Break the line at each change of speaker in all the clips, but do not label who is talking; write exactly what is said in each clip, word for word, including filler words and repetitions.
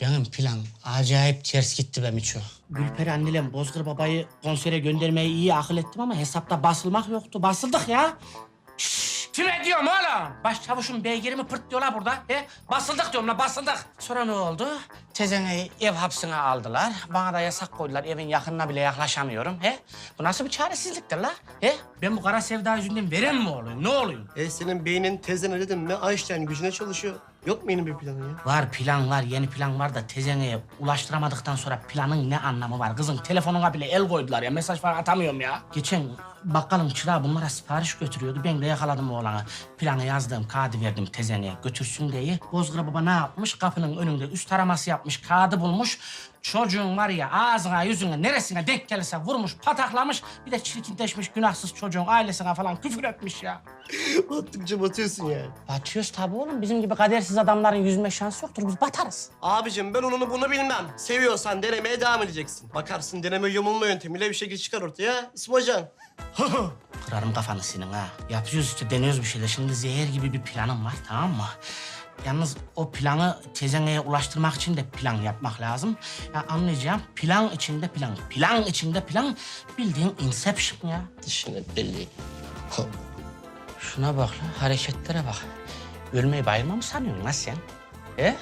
Benim plan acayip ters gitti be Miço. Gülperi annelem Bozkır babayı konsere göndermeyi iyi akıl ettim ama hesapta basılmak yoktu. Basıldık ya. Şşş! Kime diyorum oğlum? Başçavuşun beygirimi pırt diyorlar burada. He? Basıldık diyorum la basıldık. Sonra ne oldu? Tezeneyi ev hapsine aldılar. Bana da yasak koydular. Evin yakınına bile yaklaşamıyorum. He? Bu nasıl bir çaresizliktir la? He? Ben bu kara sevda yüzünden veren mi olayım? Ne olayım?
E senin beynin tezene dedim mi Einstein gücüne çalışıyor. Yok mu yeni bir planın ya?
Var plan var, yeni plan var da tezeneye ulaştıramadıktan sonra planın ne anlamı var? Kızım telefonuna bile el koydular ya, mesaj falan atamıyorum ya. Geçen bakkalın çırağı bunlara sipariş götürüyordu. Ben de yakaladım oğlanı. Planı yazdım, kağıdı verdim tezeneye götürsün diye. Bozkır baba ne yapmış? Kapının önünde üst taraması yapmış, kağıdı bulmuş. Çocuğun var ya ağzına, yüzüne, neresine denk gelirse vurmuş, pataklamış. Bir de çirkinleşmiş günahsız çocuğun ailesine falan küfür etmiş ya.
Battıkça batıyorsun yani.
Batıyoruz tabii oğlum. Bizim gibi kadersiz adamların yüzme şansı yoktur. Biz batarız.
Abicim ben onu bunu bilmem. Seviyorsan denemeye devam edeceksin. Bakarsın deneme yumulma yöntemiyle bir şekil çıkar ortaya. İsmi Hocan.
Kırarım kafanı senin ha. Yapıyoruz işte, deniyoruz bir şeyler. Şimdi zehir gibi bir planım var, tamam mı? Yalnız o planı tezeneye ulaştırmak için de plan yapmak lazım. Ya anlayacağım, plan içinde plan. Plan içinde plan. Bildiğin Inception ya.
Dişine deli.
Şuna bak lan, hareketlere bak. Ölmeyi bayılma mı sanıyorsun lan sen? He?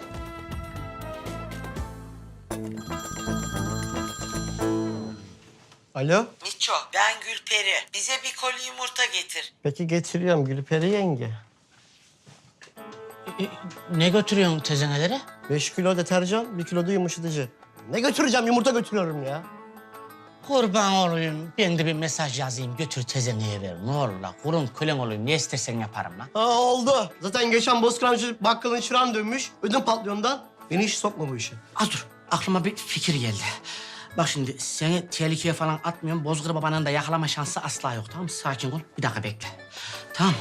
Alo.
Miço, ben Gülperi. Bize bir koli yumurta getir.
Peki getiriyorum Gülperi yenge.
E, ne götürüyorsun tezenelere?
Beş kilo deterjan, bir kilo da yumuşatıcı. Ne götüreceğim? Yumurta götürüyorum ya.
Kurban olayım. Ben de bir mesaj yazayım. Götür tezeneye ver. Ne olur la. Kurun kölen olayım. Ne istersen yaparım lan.
Ha oldu. Zaten geçen Bozkıramcı bakkalın çırağını dönmüş. Ödüm patlıyor ondan. Beni hiç sokma bu işe.
Az dur. Aklıma bir fikir geldi. Bak şimdi seni tehlikeye falan atmıyorum. Bozkır babanın da yakalama şansı asla yok, tamam mı? Sakin ol. Bir dakika bekle. Tamam.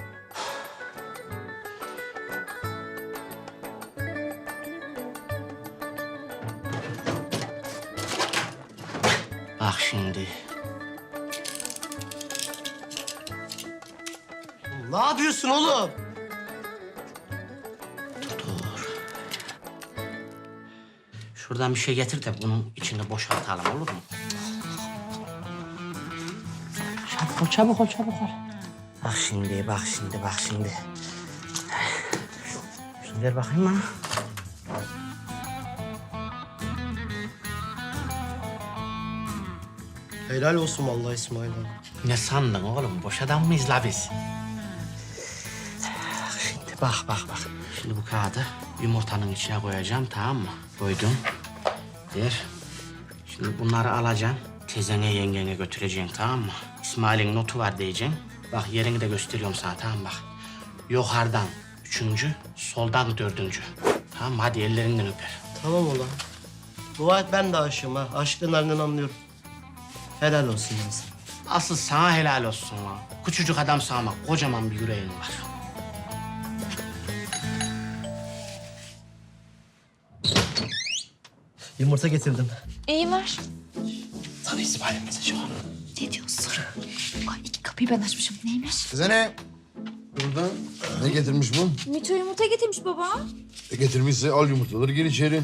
Bak şimdi.
Ne yapıyorsun oğlum?
Dur. Şuradan bir şey getir de bunun içinde boşaltalım, olur mu? Çabuk ol, çabuk ol, çabuk ol. Bak şimdi, bak şimdi, bak şimdi. Şunu ver bakayım bana.
Helal olsun vallahi İsmail abi.
Ne sandın oğlum? Boş adam mıyız la biz? Bak şimdi, bak, bak, bak. Şimdi bu kağıdı yumurtanın içine koyacağım, tamam mı? Koydum. Ver. Şimdi bunları alacaksın. Tezene yengene götüreceksin, tamam mı? İsmail'in notu var diyeceksin. Bak yerini de gösteriyorum sana, tamam mı? Bak. Yukarıdan üçüncü, soldan dördüncü. Tamam mı? Hadi ellerinden öper.
Tamam ulan. Dua et ben de aşığım ha. Aşkın halinden anlıyorum. Helal olsun ya sana.
Asıl sana helal olsun lan. Küçücük adam sağma, kocaman bir yüreğin var.
Yumurta getirdim.
İyi var.
Sana İsmail'in mesajı var.
Ne diyorsun? Ay iki kapıyı ben açmışım. Neymiş?
Size ne? Burada ne getirmiş bu?
Mito yumurta getirmiş baba.
E getirmişse al yumurtaları gir içeri.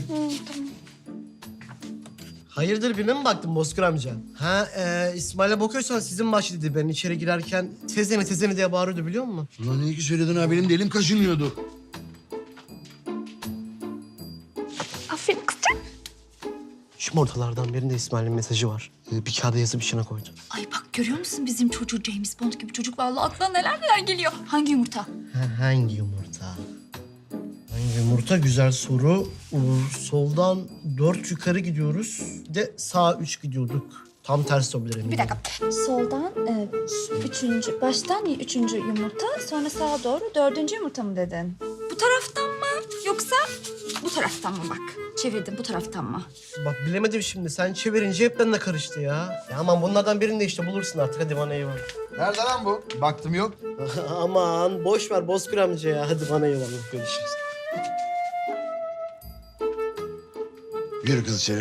Hayırdır birine mi baktın Bozkır amca? Ha e, İsmail'e bakıyorsan sizin baş dedi. Ben içeri girerken tezene tezene diye bağırıyordu biliyor musun?
Ulan iyi ki söyledin ha, benim de elim kaşınıyordu.
Aferin kızım.
Şu ortalardan birinde İsmail'in mesajı var. E, bir kağıda yazıp içine koydu.
Ay bak görüyor musun bizim çocuğu James Bond gibi çocuk vallahi aklına neler neler geliyor. Hangi yumurta?
Ha, hangi yumurta? Hangi yumurta? Güzel soru. Uğur, soldan dört yukarı gidiyoruz. Bir de sağ üç gidiyorduk. Tam tersi olabilir eminim.
Bir dakika. Soldan e, üçüncü, baştan üçüncü yumurta, sonra sağa doğru dördüncü yumurta mı dedin? Bu taraftan mı yoksa bu taraftan mı bak? Çevirdim bu taraftan mı?
Bak bilemedim şimdi. Sen çevirince hep benimle karıştı ya. Ya aman bunlardan birini de işte bulursun artık. Hadi bana eyvallah.
Nerede lan bu? Baktım yok.
Aman boş ver Bozkır amca ya. Hadi bana eyvallah. Görüşürüz.
Yürü kız içeri.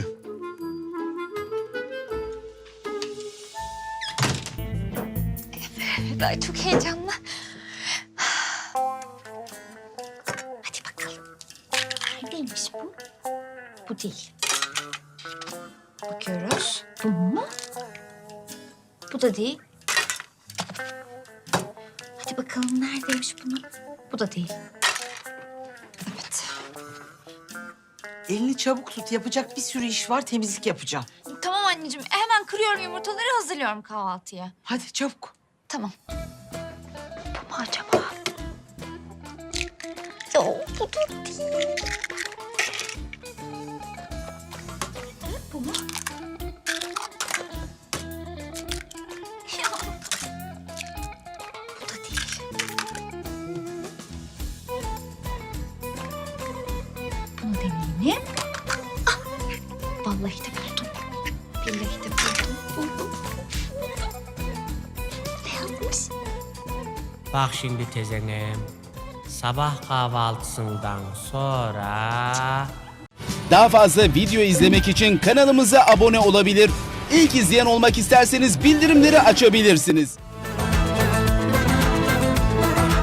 Evet ay çok heyecanlı. Hadi bakalım. Neredeymiş bu? Bu değil. Bakıyoruz. Bu mu? Bu da değil. Hadi bakalım neredeymiş bunun? Bu da değil. Evet.
Elini çabuk tut. Yapacak bir sürü iş var. Temizlik yapacağım.
Tamam anneciğim. Hemen kırıyorum yumurtaları, hazırlıyorum kahvaltıya.
Hadi çabuk.
Tamam. Bu mu acaba? Yok, bu da değil. Bu mu? Ya. Bu da değil. Bunu deneyelim. Ah! Vallahi de buldum. Billahi de buldum. Buldum. Ne yapmış?
Bak şimdi tezenim. Sabah kahvaltısından sonra...
Daha fazla video izlemek için kanalımıza abone olabilir. İlk izleyen olmak isterseniz bildirimleri açabilirsiniz.